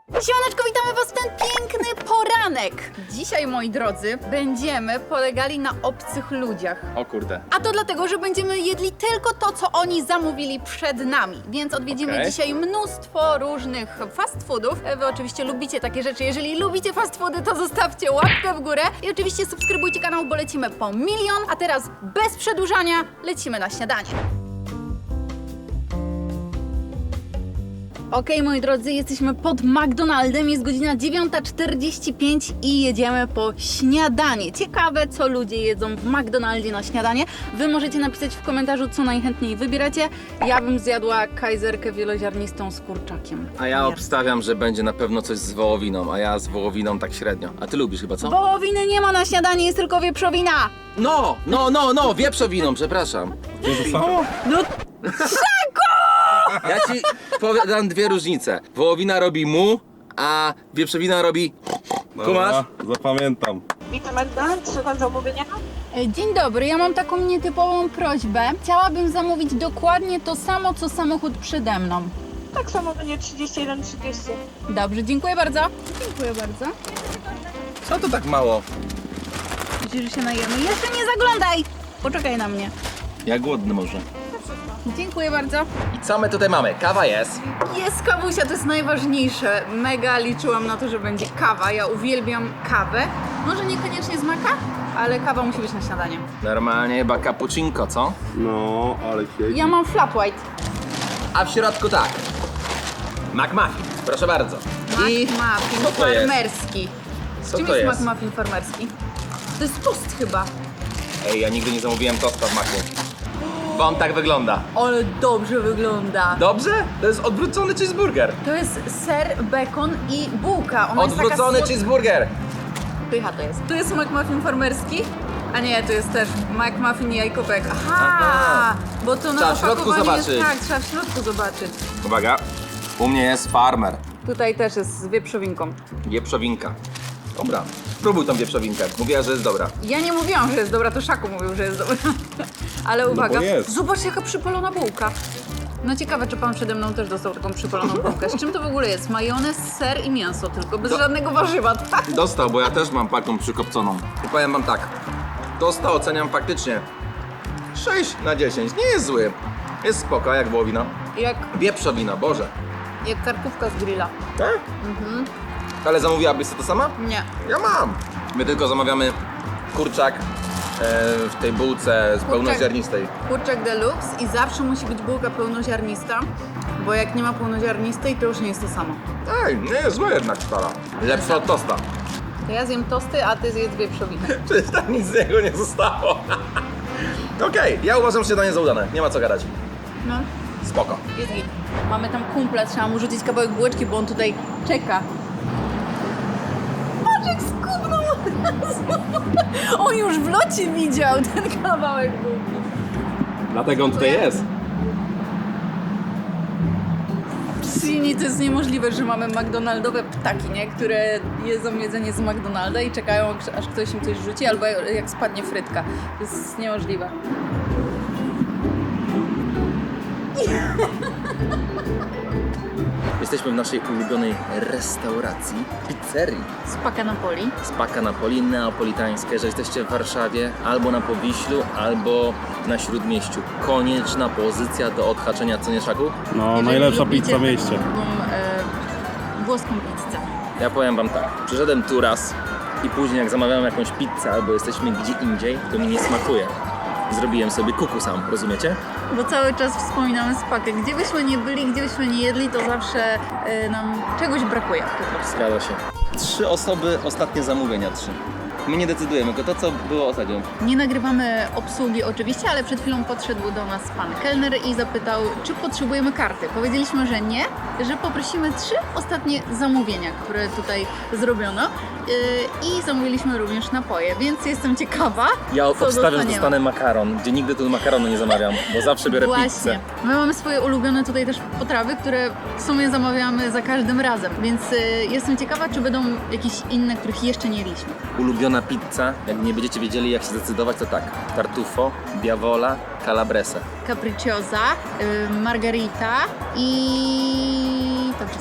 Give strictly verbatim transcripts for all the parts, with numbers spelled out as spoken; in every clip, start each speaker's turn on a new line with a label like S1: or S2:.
S1: Siemaneczko, witamy was w ten piękny poranek. Dzisiaj, moi drodzy, będziemy polegali na obcych ludziach.
S2: O kurde.
S1: A to dlatego, że będziemy jedli tylko to, co oni zamówili przed nami. Więc odwiedzimy
S2: Okej.
S1: dzisiaj mnóstwo różnych fast foodów. Wy oczywiście lubicie takie rzeczy. Jeżeli lubicie fast foody, to zostawcie łapkę w górę. I oczywiście subskrybujcie kanał, bo lecimy po milion. A teraz bez przedłużania lecimy na śniadanie. Okej, okay, moi drodzy, jesteśmy pod McDonaldem, jest godzina dziewiąta czterdzieści pięć i jedziemy po śniadanie. Ciekawe, co ludzie jedzą w McDonaldzie na śniadanie. Wy możecie napisać w komentarzu, co najchętniej wybieracie. Ja bym zjadła kajzerkę wieloziarnistą z kurczakiem.
S2: A ja obstawiam, że będzie na pewno coś z wołowiną, a ja z wołowiną tak średnio. A ty lubisz chyba, co?
S1: Wołowiny nie ma na śniadanie, jest tylko wieprzowina.
S2: No, no, no, no, wieprzowiną, przepraszam.
S1: No,
S2: Ja ci powiem dwie różnice. Wołowina robi mu, a wieprzowina robi... Kumasz?
S3: Dobra, zapamiętam.
S4: Witam McDonald's, czy tam zamówienia?
S1: E, dzień dobry, ja mam taką nietypową prośbę. Chciałabym zamówić dokładnie to samo, co samochód przede mną.
S4: Tak samo będzie trzydzieści jeden trzydzieści.
S1: Dobrze, dziękuję bardzo. Dziękuję bardzo.
S2: Co to tak mało?
S1: Myślisz, że się najemy? Jeszcze nie zaglądaj! Poczekaj na mnie.
S2: Ja głodny może.
S1: Dziękuję bardzo.
S2: I co my tutaj mamy? Kawa jest.
S1: Jest kawusia, to jest najważniejsze. Mega liczyłam na to, że będzie kawa. Ja uwielbiam kawę. Może niekoniecznie z maka, ale kawa musi być na śniadanie.
S2: Normalnie chyba cappuccinko, co?
S3: No, ale siedzi.
S1: Ja mam flat white.
S2: A w środku tak. McMuffin, proszę bardzo. I
S1: McMuffin
S2: co to jest?
S1: farmerski.
S2: Co
S1: Czym
S2: to
S1: jest
S2: jest?
S1: McMuffin farmerski? To jest tost chyba.
S2: Ej, ja nigdy nie zamówiłem tosta w maku. Bo on tak wygląda.
S1: Ale dobrze wygląda.
S2: Dobrze? To jest odwrócony cheeseburger.
S1: To jest ser, bekon i bułka. Ona
S2: Odwrócony
S1: jest taka słodka.
S2: cheeseburger.
S1: Pycha to jest. Tu jest McMuffin farmerski, a nie, to jest też McMuffin i jajkopek. Aha,
S2: Aha.
S1: bo to na
S2: Trzeba w środku
S1: opakowaniu jest,
S2: zobaczyć.
S1: tak, trzeba w środku zobaczyć.
S2: Uwaga, u mnie jest farmer.
S1: Tutaj też jest z wieprzowinką.
S2: Wieprzowinka. Dobra, spróbuj tą wieprzowinkę. Mówiła, że jest dobra.
S1: Ja nie mówiłam, że jest dobra, to Szaku mówił, że jest dobra. Ale uwaga,
S3: bo jest.
S1: zobacz jaka przypalona bułka. No ciekawe, czy pan przede mną też dostał taką przypaloną bułkę. Z czym to w ogóle jest? Majonez, ser i mięso tylko, bez
S2: Do-
S1: żadnego warzywa, tak?
S2: Dostał, bo ja też mam taką przykopconą. I powiem wam tak, dostał oceniam faktycznie sześć na dziesięć. Nie jest zły. Jest spoko, jak wołowina.
S1: Jak,
S2: Wieprzowina, Boże.
S1: jak karkówka z grilla.
S2: Tak? Ale zamówiłabyś sobie to sama?
S1: Nie.
S2: Ja mam. My tylko zamawiamy kurczak e, w tej bułce z pełnoziarnistej.
S1: Kurczak deluxe i zawsze musi być bułka pełnoziarnista, bo jak nie ma pełnoziarnistej, to już nie jest to samo.
S2: Ej, nie jest złe jednak stara. Lepsza od tosta.
S1: To ja zjem tosty, a ty zjedz wieprzowinę.
S2: Przecież tam nic z niego nie zostało. Okej, ja uważam śniadanie za udane. Nie ma co gadać.
S1: No,
S2: Spoko.
S1: jest git. Mamy tam kumpla, trzeba mu rzucić kawałek bułeczki, bo on tutaj czeka. Patrz jak skubnął! On już w locie widział ten kawałek bułki.
S2: Dlatego on tutaj jest.
S1: Silni, to jest niemożliwe, że mamy McDonaldowe ptaki, nie? Które jedzą jedzenie z McDonalda i czekają, aż ktoś im coś rzuci, albo jak spadnie frytka. To jest niemożliwe.
S2: Jesteśmy w naszej ulubionej restauracji, pizzerii.
S1: Spaka Napoli.
S2: Spaka Napoli, neapolitańskie. Jeżeli jesteście w Warszawie, albo na Powiślu, albo na Śródmieściu. Konieczna pozycja do odhaczenia, co nie, Szaku?
S3: No,
S1: Jeżeli
S3: najlepsza
S1: lubicie
S3: pizza w mieście.
S1: Taką, e, włoską pizzę.
S2: Ja powiem wam tak, przyszedłem tu raz i później jak zamawiałem jakąś pizzę, albo jesteśmy gdzie indziej, to mi nie smakuje. Zrobiłem sobie kuku sam, rozumiecie?
S1: Bo cały czas wspominamy Spakę. Gdzie byśmy nie byli, gdzie byśmy nie jedli, to zawsze e, nam czegoś brakuje po prostu.
S2: Zgadza się. Trzy osoby, ostatnie zamówienia trzy. My nie decydujemy, tylko to, co było ostatnio.
S1: Nie nagrywamy obsługi oczywiście, ale przed chwilą podszedł do nas pan kelner i zapytał, czy potrzebujemy karty. Powiedzieliśmy, że nie, że poprosimy trzy ostatnie zamówienia, które tutaj zrobiono yy, i zamówiliśmy również napoje, więc jestem ciekawa,
S2: Ja
S1: co
S2: obstawiam, że
S1: dostaniemy.
S2: dostanę makaron, gdzie nigdy tu makaronu nie zamawiam, bo zawsze biorę
S1: Właśnie.
S2: pizzę.
S1: My mamy swoje ulubione tutaj też potrawy, które w sumie zamawiamy za każdym razem, więc y, jestem ciekawa, czy będą jakieś inne, których jeszcze nie jedliśmy.
S2: Ulubiona pizza, jak nie będziecie wiedzieli jak się zdecydować, to tak. Tartufo, Diavola, Calabrese.
S1: Capricciosa, y, margarita i to wszystko.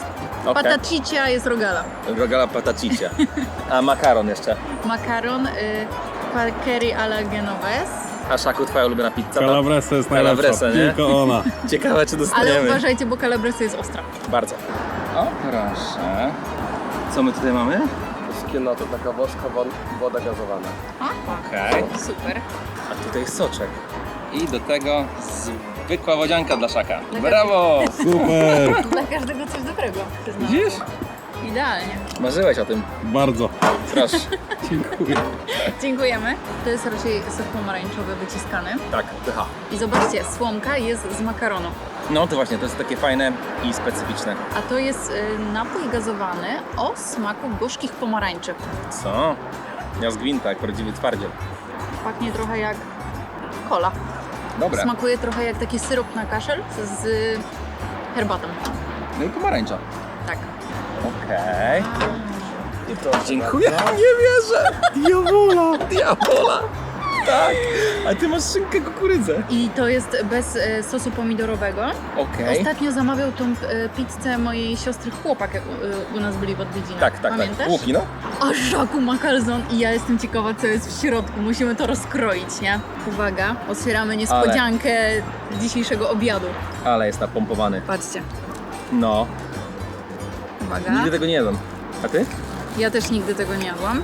S2: Okay.
S1: Patacicia jest rogala.
S2: Rogala patacicia. A makaron jeszcze.
S1: Makaron, y, curry alla genovese.
S2: A Szaku, twoja ulubiona pizza?
S3: Calabresa jest najlepsza,
S2: Calabresa, nie?
S3: tylko ona.
S2: Ciekawe, czy
S1: Ale
S2: dostaniemy.
S1: uważajcie, bo calabresa jest ostra.
S2: Bardzo. O, proszę. Co my tutaj mamy?
S3: Szkiena to taka woska, woda gazowana.
S2: Okej.
S1: Super.
S2: A tutaj soczek. I do tego zwykła wodzianka dla Szaka. Brawo!
S3: Super,
S1: Dla każdego coś dobrego. przyznam.
S2: Widzisz?
S1: Idealnie.
S2: Marzyłeś o tym.
S3: bardzo.
S2: Proszę.
S3: Dziękuję.
S1: Dziękujemy. To jest raczej sok pomarańczowy wyciskany.
S2: Tak, pycha.
S1: I zobaczcie, słomka jest z makaronu.
S2: No to właśnie, to jest takie fajne i specyficzne.
S1: A to jest y, napój gazowany o smaku gorzkich pomarańczy.
S2: Co? Ja z gwinta, jak prawdziwy twardziel.
S1: Pachnie trochę jak cola.
S2: Dobra.
S1: Smakuje trochę jak taki syrop na kaszel z herbatą.
S2: No i pomarańcza.
S1: Tak.
S2: Okej. I to dziękuję. Nie wierzę. Diabola. Diabola. Tak. A ty masz szynkę kukurydzę.
S1: I to jest bez e, sosu pomidorowego.
S2: Okej.
S1: Ostatnio zamawiał tą e, pizzę mojej siostry chłopak, jak u, u nas byli w odwiedzinach.
S2: Tak, tak,
S1: Pamiętasz?
S2: tak. Łuki, no.
S1: A Szaku ma kalzon i ja jestem ciekawa, co jest w środku. Musimy to rozkroić, nie? Uwaga, otwieramy niespodziankę dzisiejszego obiadu.
S2: Ale jest napompowany.
S1: Patrzcie.
S2: No.
S1: Uwaga.
S2: Nigdy tego nie jadłem. A ty?
S1: Ja też nigdy tego nie jadłam.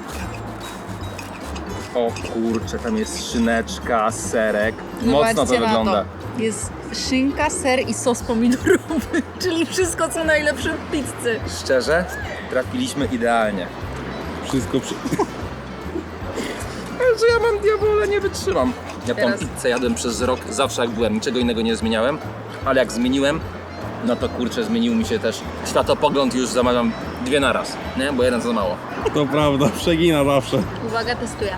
S2: O kurczę, tam jest szyneczka, serek. Mocno to
S1: Zobaczcie na
S2: wygląda.
S1: To. Jest szynka, ser i sos pomidorowy, czyli wszystko co najlepsze w pizzy.
S2: Szczerze, trafiliśmy idealnie.
S3: Wszystko przy...
S2: Ale że ja mam diabole, nie wytrzymam. Ja tą
S1: Teraz.
S2: pizzę jadłem przez rok, zawsze jak byłem, niczego innego nie zmieniałem. Ale jak zmieniłem, no to kurczę, zmienił mi się też światopogląd i już zamawiam dwie na raz, nie? Bo jeden za mało.
S3: To prawda, przegina zawsze.
S1: Uwaga, testuję.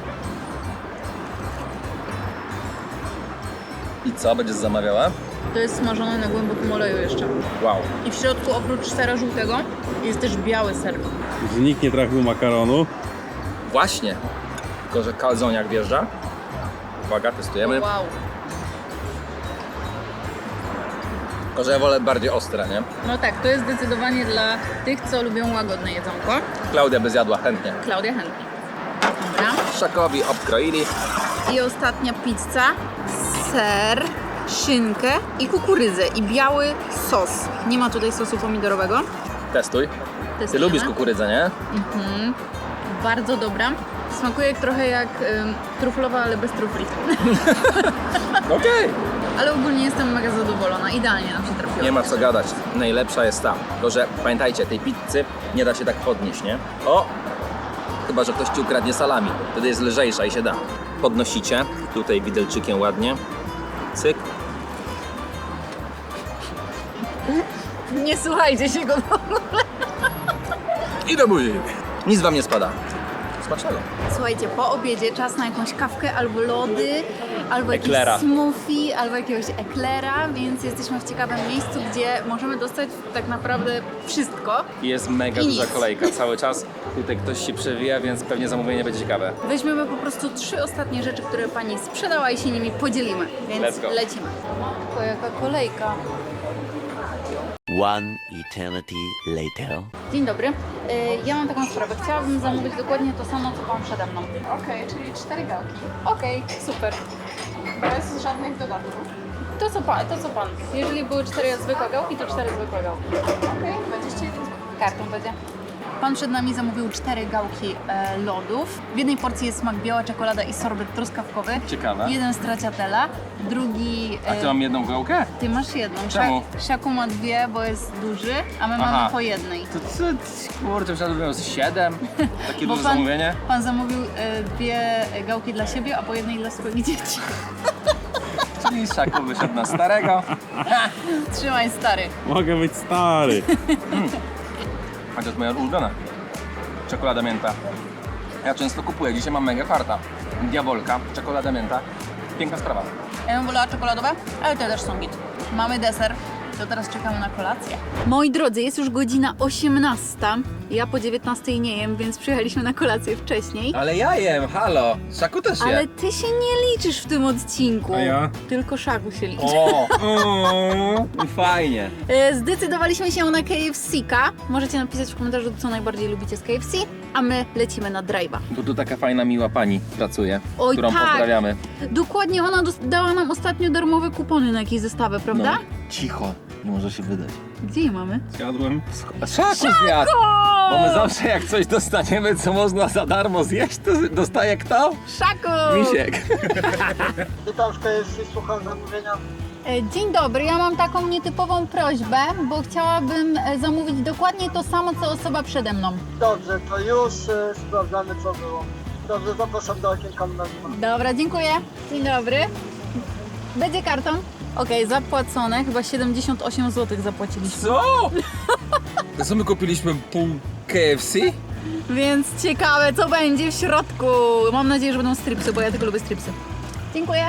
S2: I co, będziesz zamawiała?
S1: To jest smażone na głębokim oleju jeszcze.
S2: Wow.
S1: I w środku oprócz sera żółtego jest też biały ser.
S3: Że nikt nie trafił makaronu.
S2: Właśnie. Tylko, że kalzoniak wjeżdża. Uwaga, testujemy.
S1: Wow.
S2: Tylko, że ja wolę bardziej ostre, nie?
S1: No tak, to jest zdecydowanie dla tych, co lubią łagodne jedzonko.
S2: Klaudia by zjadła chętnie.
S1: Klaudia chętnie. Dobra.
S2: Szakowi obkroili.
S1: I ostatnia pizza. Ser, szynkę i kukurydzę. I biały sos. Nie ma tutaj sosu pomidorowego.
S2: Testuj. Ty
S1: Testujemy.
S2: lubisz kukurydzę, nie?
S1: Mhm. Bardzo dobra. Smakuje trochę jak ym, truflowa, ale bez trufli.
S2: Okej.
S1: Ale ogólnie jestem mega zadowolona. Idealnie nam się trafiło.
S2: Nie ma co gadać. Najlepsza jest ta. Tylko, że pamiętajcie, tej pizzy nie da się tak podnieść, nie? O! Chyba, że ktoś ci ukradnie salami. Wtedy jest lżejsza i się da. Podnosicie. Tutaj widelczykiem ładnie. Cyk.
S1: Nie słuchajcie się go.
S2: I do buzi. Nic wam nie spada. Smacznego.
S1: Słuchajcie, po obiedzie czas na jakąś kawkę albo lody, albo
S2: Eklera.
S1: jakiś smoothie, albo jakiegoś eklera, więc jesteśmy w ciekawym miejscu, gdzie możemy dostać tak naprawdę wszystko.
S2: Jest mega
S1: I
S2: duża
S1: nic.
S2: kolejka cały czas. Tutaj ktoś się przewija, więc pewnie zamówienie będzie ciekawe.
S1: Weźmiemy po prostu trzy ostatnie rzeczy, które pani sprzedała i się nimi podzielimy, więc
S2: Let's go.
S1: lecimy. To jaka kolejka.
S5: One eternity later.
S1: Dzień dobry. Y, Ja mam taką sprawę. Chciałabym zamówić dokładnie to samo, co pan przede mną.
S4: Okej, czyli cztery gałki.
S1: Okej, super.
S4: Bez żadnych dodatków.
S1: To co pan, to co pan. Jeżeli były cztery zwykłe gałki, to cztery zwykłe gałki.
S4: Okej, dwadzieścia jeden.
S1: Kartą będzie. Pan przed nami zamówił cztery gałki e, lodów. W jednej porcji jest smak biała czekolada i sorbet truskawkowy.
S2: Ciekawe.
S1: Jeden stracciatella, drugi...
S2: A ty mam jedną gałkę?
S1: Ty masz jedną.
S2: Czemu?
S1: Szak- Szaku ma dwie, bo jest duży, a my
S2: Aha.
S1: mamy po jednej.
S2: To co? Kurczę, myślałem, że siedem. Takie
S1: Bo
S2: duże
S1: pan,
S2: zamówienie.
S1: pan zamówił e, dwie gałki dla siebie, a po jednej dla swoich dzieci.
S2: Czyli Szaku wyszedł na starego.
S1: Trzymaj, stary.
S3: Mogę być stary.
S2: A to jest moja ulubiona. Czekolada mięta. Ja często kupuję. Dzisiaj mam mega farta. Diabolka, czekolada mięta. Piękna sprawa.
S1: Ja bym wolała czekoladowe, ale te też są git. Mamy deser. To teraz czekamy na kolację. Moi drodzy, jest już godzina osiemnasta. Ja po dziewiętnastej nie jem, więc przyjechaliśmy na kolację wcześniej.
S2: Ale ja jem, halo. Szaku też je.
S1: Ale ty się nie liczysz w tym odcinku.
S3: A ja?
S1: Tylko Szaku się liczy.
S2: O, o, fajnie.
S1: E, Zdecydowaliśmy się na K F C-ka. Możecie napisać w komentarzu, co najbardziej lubicie z K F C, a my lecimy na drive'a.
S2: Bo tu taka fajna, miła pani pracuje,
S1: Oj,
S2: którą
S1: tak.
S2: pozdrawiamy.
S1: Dokładnie, ona dos- dała nam ostatnio darmowe kupony na jakieś zestawy, prawda?
S2: No, cicho, nie może się wydać.
S1: Gdzie je mamy?
S3: Zjadłem.
S2: Szaku zjadł! Bo my zawsze jak coś dostaniemy, co można za darmo zjeść, to dostaje kto?
S1: Szaku!
S2: Misiek.
S6: Witam w K F C, słucham zamówienia.
S1: E, Dzień dobry, ja mam taką nietypową prośbę, bo chciałabym e, zamówić dokładnie to samo, co osoba przede mną.
S6: Dobrze, to już y, sprawdzamy co było. Dobrze, zapraszam do okienka numer dwa.
S1: Dobra, dziękuję. Dzień dobry. Będzie kartą? Okej, zapłacone, chyba siedemdziesiąt osiem złotych zapłaciliśmy.
S2: Co? To co my kupiliśmy pół K F C?
S1: Więc ciekawe, co będzie w środku. Mam nadzieję, że będą stripsy, bo ja tylko lubię stripsy. Dziękuję.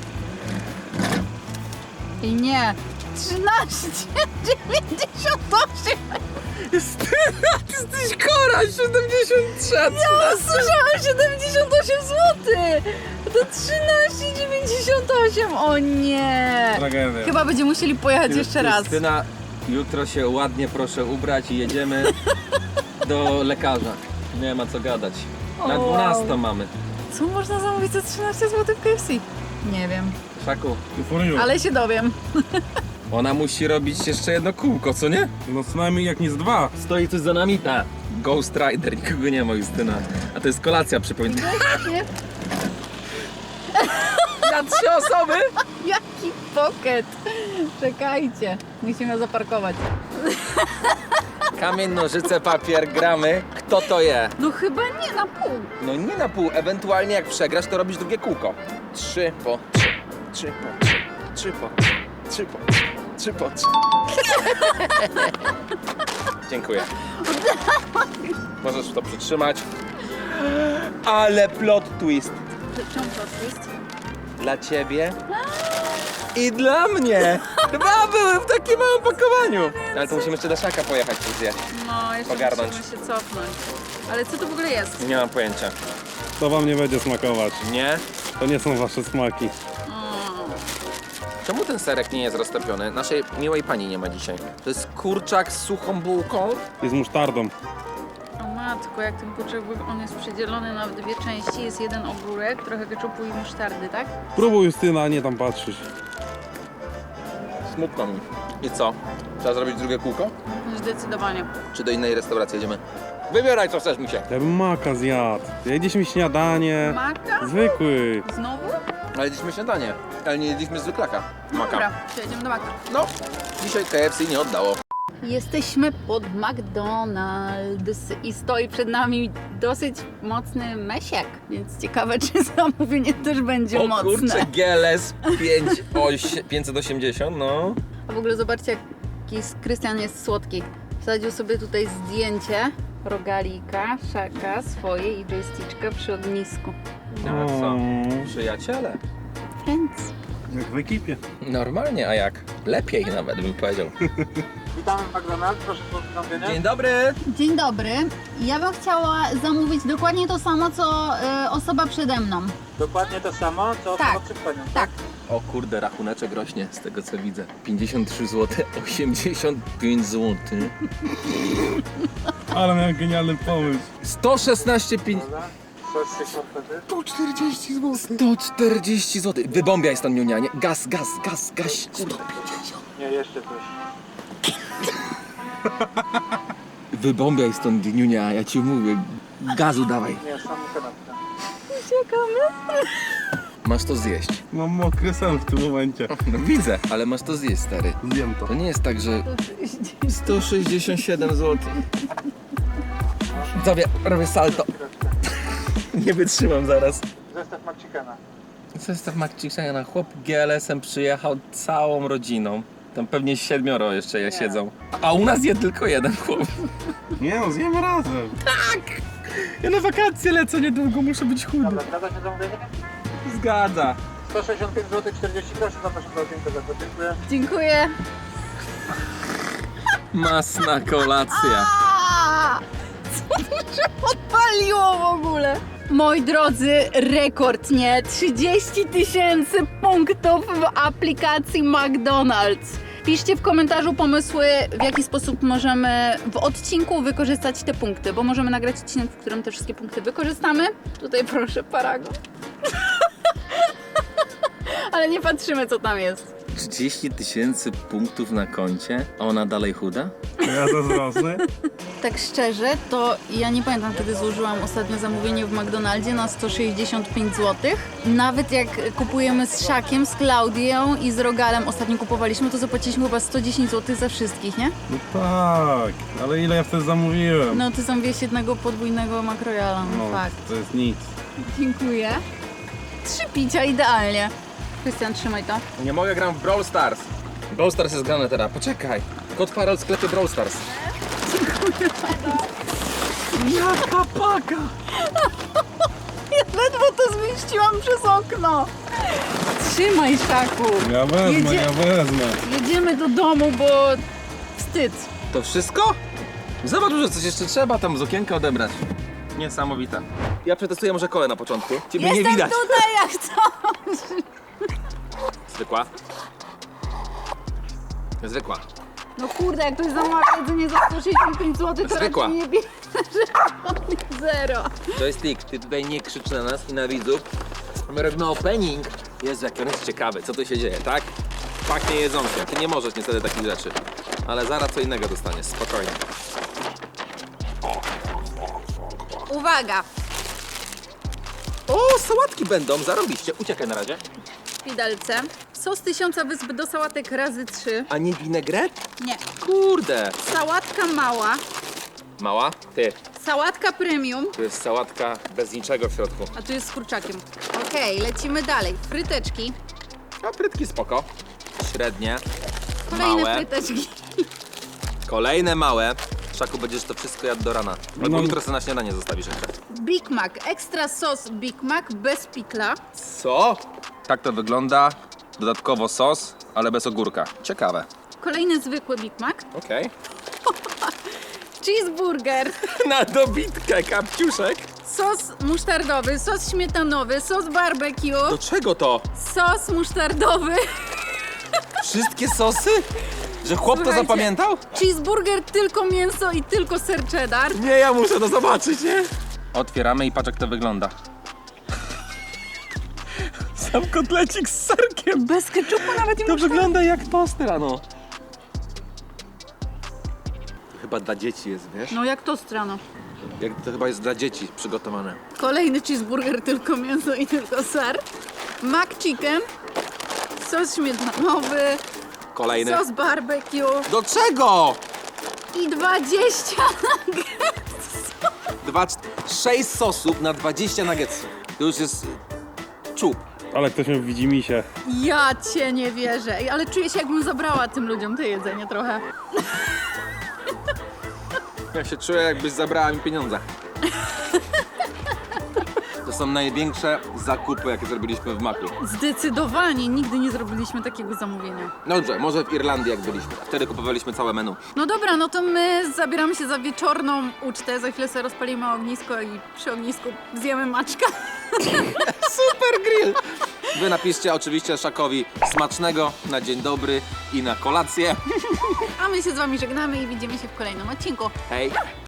S1: I nie. trzynaście dziewięćdziesiąt osiem.
S2: Ty jesteś chora, siedemdziesiąt trzy.
S1: Ja słyszałam siedemdziesiąt osiem złotych. To trzynaście dziewięćdziesiąt osiem. O nie.
S3: Tragedia.
S1: Chyba będziemy musieli pojechać jeszcze raz.
S2: Krystyna, jutro się ładnie proszę ubrać i jedziemy do lekarza. Nie ma co gadać. Na
S1: O, wow.
S2: dwunastą mamy.
S1: Co można zamówić za trzynaście złotych w K F C? Nie wiem,
S2: Szaku,
S3: For you.
S1: ale się dowiem.
S2: ona musi robić jeszcze jedno kółko, co nie?
S3: No co najmniej jak nie z dwa.
S2: Stoi coś za nami? Tak. Ghost Rider, nikogo nie ma, Justyna. A to jest kolacja, przypomnę. Na trzy osoby?
S1: Jaki pocket! Czekajcie, musimy zaparkować.
S2: Kamień, nożyce, papier, gramy. Kto to je?
S1: No chyba nie na pół.
S2: No nie na pół, ewentualnie jak przegrasz, to robisz drugie kółko. Trzy po trzy, trzy po trzy, trzy po trzy, trzy po trzy, trzy po trzy. Dziękuję. Możesz to przytrzymać. Ale plot twist.
S1: Czemu plot twist?
S2: Dla ciebie i dla mnie. Dwa były w takim małym pakowaniu. Ale to musimy jeszcze do Szaka pojechać i zjeść.
S1: No, jeszcze
S2: Ogarnąć.
S1: musimy się cofnąć. Ale co to w ogóle jest?
S2: Nie mam pojęcia.
S3: To wam nie będzie smakować.
S2: Nie?
S3: To nie są wasze smaki.
S2: Czemu ten serek nie jest roztopiony? Naszej miłej pani nie ma dzisiaj. To jest kurczak z suchą bułką.
S3: I z musztardą.
S1: O matko, jak ten kurczak, on jest przedzielony na dwie części. Jest jeden ogórek, trochę keczupu i musztardy, tak?
S3: Próbuj Justyna, a nie tam patrzysz.
S2: Smutno mi. I co? Trzeba zrobić drugie kółko?
S1: Zdecydowanie.
S2: Czy do innej restauracji jedziemy? Wybieraj co chcesz, mi się.
S3: Ja bym maka zjadł. Jedliśmy śniadanie.
S1: Maka?
S3: Zwykły.
S1: Znowu?
S2: Ale jedliśmy śniadanie, ale nie jedliśmy zwykłaka. Maka.
S1: Dobra, przejedziemy do Maka.
S2: No, dzisiaj K F C nie oddało.
S1: Jesteśmy pod McDonald's i stoi przed nami dosyć mocny mesiak, więc ciekawe, czy zamówienie też będzie
S2: O
S1: mocne.
S2: kurczę, G L S pięćset osiemdziesiąt, no.
S1: A w ogóle zobaczcie, jaki Krystian jest słodki. Wsadził sobie tutaj zdjęcie rogalika, Szaka swoje i joysticka przy ognisku.
S2: A co?
S3: Mm,
S2: Przyjaciele.
S1: Friends.
S3: Jak w ekipie.
S2: Normalnie, a jak? Lepiej nawet bym powiedział.
S6: Witamy w McDonald's, proszę o zamówienie.
S2: Dzień dobry.
S1: Dzień dobry. Ja bym chciała zamówić dokładnie to samo, co y, osoba przede mną.
S6: Dokładnie to samo, co
S1: Tak.
S6: przed panią.
S1: Tak.
S2: O kurde, rachuneczek rośnie z tego co widzę. pięćdziesiąt trzy złote, osiemdziesiąt pięć złotych.
S3: Ale miałem genialny pomysł.
S2: sto szesnaście pięć...
S6: Dobra. Coś się wtedy.
S2: sto czterdzieści złotych. sto czterdzieści złotych. Wybombiaj stąd, Niunia, nie? Gaz, gaz, gaz, gaś. Kurde.
S6: Nie, jeszcze coś.
S2: Wybombiaj stąd, Niunia, ja ci mówię. Gazu dawaj.
S6: Nie, samą kanapkę.
S1: Czekamy.
S2: Masz to zjeść.
S3: Mam mokry sen w tym momencie.
S2: No widzę, ale masz to zjeść, stary.
S3: Zjem to.
S2: To nie jest tak, że sto sześćdziesiąt siedem złotych. Zrobię, robię salto. Nie wytrzymam zaraz.
S6: Zestaw McChickena.
S2: Zestaw McChickena. Chłop G L S-em przyjechał całą rodziną. Tam pewnie siedmioro jeszcze je siedzą. A u nas jest tylko jeden chłop.
S3: Nie no, zjemy razem.
S2: Ja na wakacje lecę niedługo, muszę być chudy.
S6: Dobra, zgadza się zamówienie?
S2: Zgadza.
S6: sto sześćdziesiąt pięć złotych czterdzieści groszy, zapraszam do okienka za to. Dziękuję.
S1: Dziękuję.
S2: Masna kolacja.
S1: A! Co to się odpaliło w ogóle? Moi drodzy, rekord, nie? trzydzieści tysięcy punktów w aplikacji McDonald's. Piszcie w komentarzu pomysły, w jaki sposób możemy w odcinku wykorzystać te punkty, bo możemy nagrać odcinek, w którym te wszystkie punkty wykorzystamy. Tutaj proszę, paragon. Ale nie patrzymy, co tam jest.
S2: trzydzieści tysięcy punktów na koncie, a ona dalej chuda?
S3: Ja zazdrosny.
S1: Tak szczerze, to ja nie pamiętam, kiedy złożyłam ostatnie zamówienie w McDonaldzie na sto sześćdziesiąt pięć złotych. Nawet jak kupujemy z Szakiem, z Klaudią i z Rogalem ostatnio kupowaliśmy, to zapłaciliśmy chyba sto dziesięć złotych za wszystkich, nie?
S3: No tak, ale ile ja wtedy zamówiłem?
S1: No, ty zamówiłeś jednego podwójnego makrojala, no,
S3: No,
S1: fakt.
S3: to jest nic.
S1: Dziękuję. Trzy picia, idealnie. Krystian, trzymaj to.
S2: Nie mogę, gram w Brawl Stars. Brawl Stars jest grane teraz, poczekaj. Kod Farel w sklepie Brawl Stars.
S3: Jaka paka!
S1: Ja ledwo to zmieściłam przez okno. Trzymaj, Szaku.
S3: Ja wezmę,
S1: Jedzie-
S3: ja wezmę.
S1: Jedziemy do domu, bo wstyd.
S2: To wszystko? Zobacz, że coś jeszcze trzeba tam z okienka odebrać. Niesamowite. Ja przetestuję może kolę na początku. Ciebie
S1: Jestem
S2: nie widać.
S1: tutaj jak coś.
S2: Zwykła. Zwykła.
S1: No kurde, jak ktoś zamawia jedzenie za sto sześćdziesiąt pięć złotych, to
S2: Zwykła.
S1: raczej nie bierze zero.
S2: Joystick, ty tutaj nie krzycz na nas i na widzów. My robimy opening. Jezu, jak on jest ciekawy, co tu się dzieje, tak? Pachnie jedzonkiem. Ty nie możesz niestety takich rzeczy. Ale zaraz co innego dostaniesz, spokojnie.
S1: Uwaga,
S2: O, sałatki będą, zarobiście. Uciekaj na razie.
S1: w widelce. Sos tysiąca wysp do sałatek razy trzy.
S2: A nie winegret?
S1: Nie.
S2: Kurde.
S1: Sałatka mała,
S2: Mała? Ty.
S1: sałatka premium,
S2: Tu jest sałatka bez niczego w środku.
S1: a tu jest z kurczakiem. Okej, lecimy dalej. Fryteczki,
S2: A frytki spoko. Średnie.
S1: kolejne
S2: Małe.
S1: fryteczki.
S2: Kolejne małe. Szaku, będziesz to wszystko jadł do rana. Albo
S3: No.
S2: jutro sobie na śniadanie zostawisz jeszcze.
S1: Big Mac, ekstra sos Big Mac bez pikla.
S2: Co? Tak to wygląda. Dodatkowo sos, ale bez ogórka. Ciekawe.
S1: Kolejny zwykły Big Mac.
S2: Okej.
S1: Cheeseburger,
S2: Na dobitkę, kapciuszek.
S1: sos musztardowy, sos śmietanowy, sos barbecue,
S2: Do czego to?
S1: sos musztardowy,
S2: Wszystkie sosy? Że chłop to
S1: Słuchajcie.
S2: zapamiętał?
S1: cheeseburger tylko mięso i tylko ser cheddar.
S2: Nie, ja muszę to zobaczyć, nie? Otwieramy i patrz jak to wygląda. Sam kotlecik z serkiem.
S1: Bez keczupu nawet nie
S2: To
S1: muszę.
S2: wygląda jak toster, ano. Chyba dla dzieci jest, wiesz?
S1: No jak to strano.
S2: Jak to chyba jest dla dzieci przygotowane.
S1: Kolejny cheeseburger, tylko mięso i tylko ser. Mac chicken, sos śmietanowy,
S2: Kolejny.
S1: sos barbecue
S2: Do czego?
S1: i dwadzieścia
S2: Dwa, czt- sześć sosów na dwadzieścia nuggetsów. To już jest czub.
S3: Ale ktoś mi widzi mi się.
S1: Ja cię nie wierzę. Ej, ale czuję się, jakbym zabrała tym ludziom to jedzenie trochę.
S2: Ja się czuję, jakbyś zabrała mi pieniądze. To są największe zakupy, jakie zrobiliśmy w Macu.
S1: Zdecydowanie nigdy nie zrobiliśmy takiego zamówienia.
S2: No dobrze, może w Irlandii jak byliśmy. Wtedy kupowaliśmy całe menu.
S1: No dobra, no to my zabieramy się za wieczorną ucztę. Za chwilę sobie rozpalimy ognisko i przy ognisku zjemy maczka.
S2: Super grill! Wy napiszcie oczywiście Szakowi smacznego na dzień dobry i na kolację.
S1: A my się z wami żegnamy i widzimy się w kolejnym odcinku.
S2: Hej!